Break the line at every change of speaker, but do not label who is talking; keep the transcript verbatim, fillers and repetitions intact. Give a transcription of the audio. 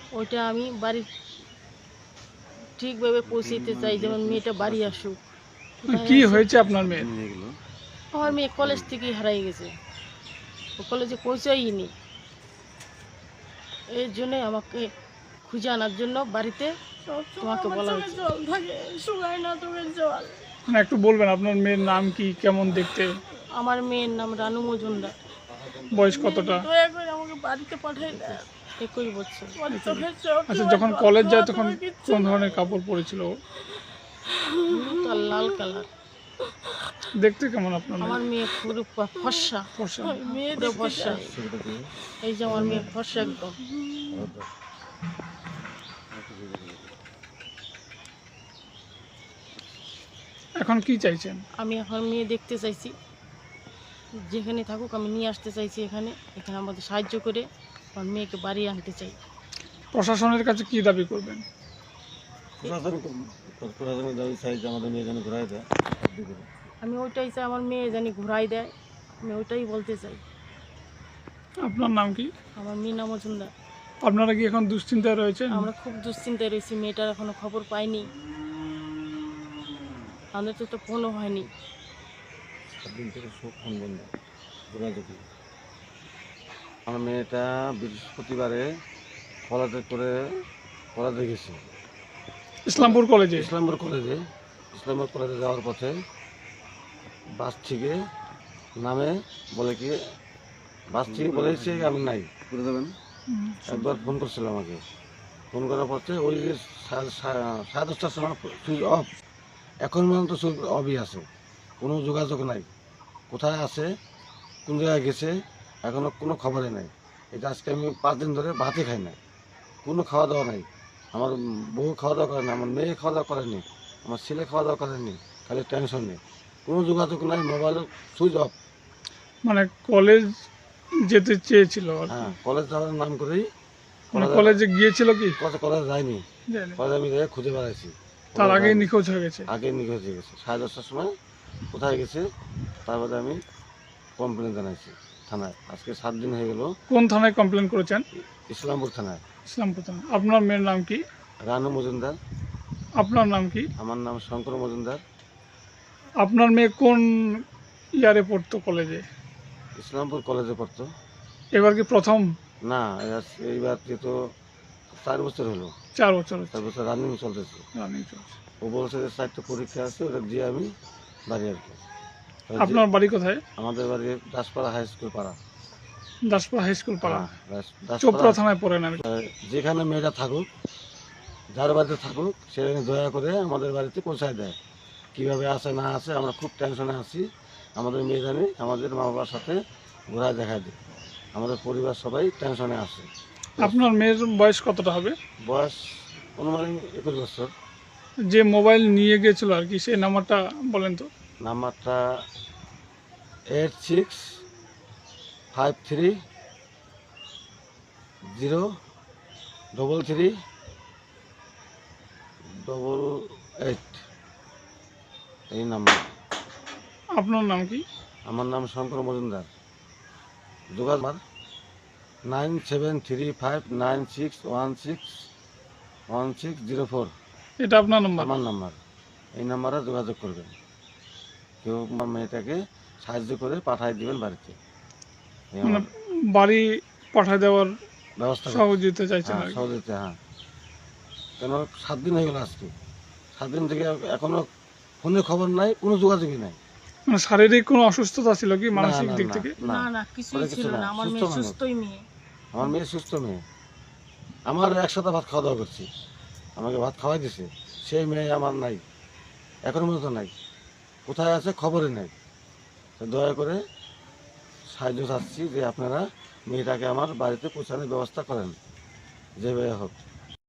ওইটা আমি বাড়ি ঠিকভাবে পৌঁছাতে চাই, যেমন মেয়েটা বাড়ি আসুক।
কি হয়েছে আপনার মেয়ের?
আমার মেয়ে কলেজ থেকেই হারাই গেছে, ও কলেজে পৌঁছাইনি। এর জন্য আমাকে খুঁজে আনার জন্য বাড়িতে তোমাকে বলা হচ্ছে। জল থাকে, শুকায় না তোকে জল।
মানে একটু বলবেন আপনার মেয়ের নাম কি, কেমন দেখতে?
আমার মেয়ের নাম রানু মজুমদার।
বয়স কতটা?
দয়া করে আমাকে বাড়িতে পাঠাই দেয়। একুশ বছর।
আচ্ছা, যখন কলেজ যায় তখন কোন ধরনের কাপড় পরেছিল ও?
হলুদ আর লাল কালার।
দেখতে কেমন আপনার মেয়ে?
আমার মেয়ে পুরো ফর্সা
ফর্সা।
পুরো ফর্সা। এই যে আমার মেয়ে ফর্সা একদম।
এখন কি চাইছেন?
আমি এখন মেয়ে দেখতে চাইছি, যেখানে থাকুক আমি নিয়ে আসতে চাইছি এখানে। এখানে আমাদের সাহায্য করে আমার মেয়েকে বাড়ি আনতে চাই।
প্রশাসনের কাছে কি দাবি করবেন?
প্রশাসনের দাবি চাই যে আমাদের মেয়ে যেন ঘুরাই দেয়।
আমি ওইটাই চাই, আমার মেয়ে জানি ঘুরাই দেয়, আমি ওইটাই বলতে চাই।
আপনার নাম কি?
আমার মিনা মজুমদার।
আপনারা কি এখন দুশ্চিন্তায় রয়েছেন?
আমরা খুব দুশ্চিন্তায় রয়েছি, মেয়েটার এখনো খবর পাইনি, আমাদের তো তো ফোনও হয়নি।
সাত দিন থেকে সব ফোন বন্ধ, যোগাযোগ নেই। আমার মেয়েটা বৃহস্পতিবারে কলেজে করে কলেজে গেছে,
ইসলামপুর কলেজে।
ইসলামপুর কলেজে ইসলামপুর কলেজে যাওয়ার পথে বাস থেকে নামে বলে কি বাস থেকে বলেছে আমি নাই করে দেবেন। একবার ফোন করছিল আমাকে, ফোন করার পথে ওই যে সা- সা- সাড়ে দশটার সময় সুইচ অফ, এখন পর্যন্ত সুইচ অফই আছে, কোনো যোগাযোগ নাই। কোথায় আছে, কোন জায়গায় গেছে, এখনও কোনো খবরই নাই। এটা আজকে আমি পাঁচ দিন ধরে ভাতই খাই না, কোনো খাওয়া দাওয়া নাই। আমার বউ খাওয়া দাওয়া করে না, আমার মেয়ে খাওয়া দাওয়া করেনি, আমার ছেলে খাওয়া দাওয়া করেনি, খালি টেনশন নেই, কোনো যোগাযোগ নাই, মোবাইল সুইচ অফ।
মানে কলেজ যেতে চেয়েছিল আর কি।
হ্যাঁ, কলেজ যাওয়ার নাম করেই
মানে কলেজে গিয়েছিল কি?
কলেজ কলেজ যায়নি,
জানি।
কলেজ আমি যাই খুঁজে বেড়াইছি,
তার আগেই নিখোঁজ হয়ে গেছে।
আগে নিখোঁজ হয়ে গেছে। সাড়ে দশটার সময় কোথায় গেছে, তারপরে আমি কমপ্লেন জানাইছি থানায়। আজকে সাত দিন হয়ে গেল।
কোন থানায় কমপ্লেন করেছেন?
ইসলামপুর থানায়।
ইসলামপুর থানা। আপনার মেয়ের নাম কি?
রানু মজুমদার।
আপনার নাম কি?
আমার নাম শঙ্কর মজুমদার।
আপনার মেয়ে কোন ইয়ারে পড়তো কলেজে?
ইসলামপুর কলেজে পড়তো।
এবার কি প্রথম?
না, এবার- এইবার তো চার বছর হলো,
চার বছর হচ্ছে
চার বছর রানিং চলতেছে।
রানিং চলছে।
ও বলছে যে চারটে পরীক্ষা আছে, ওটা দিয়ে আমি বাড়ি আর কি।
আপনার বাড়ি কোথায়?
আমাদের বাড়ি দাসপাড়া হাই স্কুল পাড়া।
দাসপুর হাই স্কুল পাড়া।
হ্যাঁ, দাস- দাসপাড়া।
চোপড়া থানায় পড়েন আর কি।
আহ, যেখানে মেয়েটা থাকুক, যার বাড়িতে থাকুক, সেখানে দয়া করে আমাদের বাড়িতে পৌঁছায় দেয়। কীভাবে আসে না আসে আমরা খুব টেনশনে আছি। আমাদের মেয়ে জানি আমাদের মা বাবার সাথে ঘোরা দেখা দিই, আমাদের পরিবার সবাই টেনশনে আছে।
আপনার মেয়ের বয়স কতটা হবে?
বয়স অনুমানিক একুশ বছর।
যে মোবাইল নিয়ে গিয়েছিল আর কি, সেই নাম্বারটা বলেন তো।
নাম্বারটা eight six five three zero double three double eight, এই নাম্বার।
আপনার নাম কি?
আমার নাম শঙ্কর মজুমদার। যোগাযোগ nine seven three five nine six one six one six zero four.
এটা আপনার নাম্বার?
আমার নাম্বার। এই নাম্বারে যোগাযোগ করবেন। কেউ আমার মেয়েটাকে সাহায্য করে পাঠিয়ে দিবেন বাড়িতে। এই
মানে
আমার
বাড়ি পাঠায় দেওয়ার
ব্যবস্থা করুন।
সহযোগিতা চাইছেন
হ্যাঁ,
আর কি।
সহযোগিতা, হ্যাঁ। কেন সাত দিন হয়ে গেল আজকে, সাত দিন থেকে এখনো ফোনে খবর নাই, কোনো যোগাযোগই নাই।
মানে শারীরিক কোনো অসুস্থতা ছিল কি,
না,
মানসিক
না,
দিক
না,
থেকে?
না,
না না কিছুই
ওরা
ছিল
কিছু
না,
না,
আমার
সুস্থ
মেয়ে
মানুষ।
সুস্থই মেয়ে।
আমার মেয়ে সুস্থ মেয়ে, আমার একসাথে ভাত খাওয়া দাওয়া করছি, আমাকে ভাত খাওয়াই দিছে, সেই মেয়ে আমার নাই, এখনো পর্যন্ত নাই। কোথায় আছে খবরই নাই। তো দয়া করে সাহায্য চাচ্ছি যে আপনারা মেয়েটাকে আমার বাড়িতে পৌঁছানোর ব্যবস্থা করেন, যেভাবে হোক।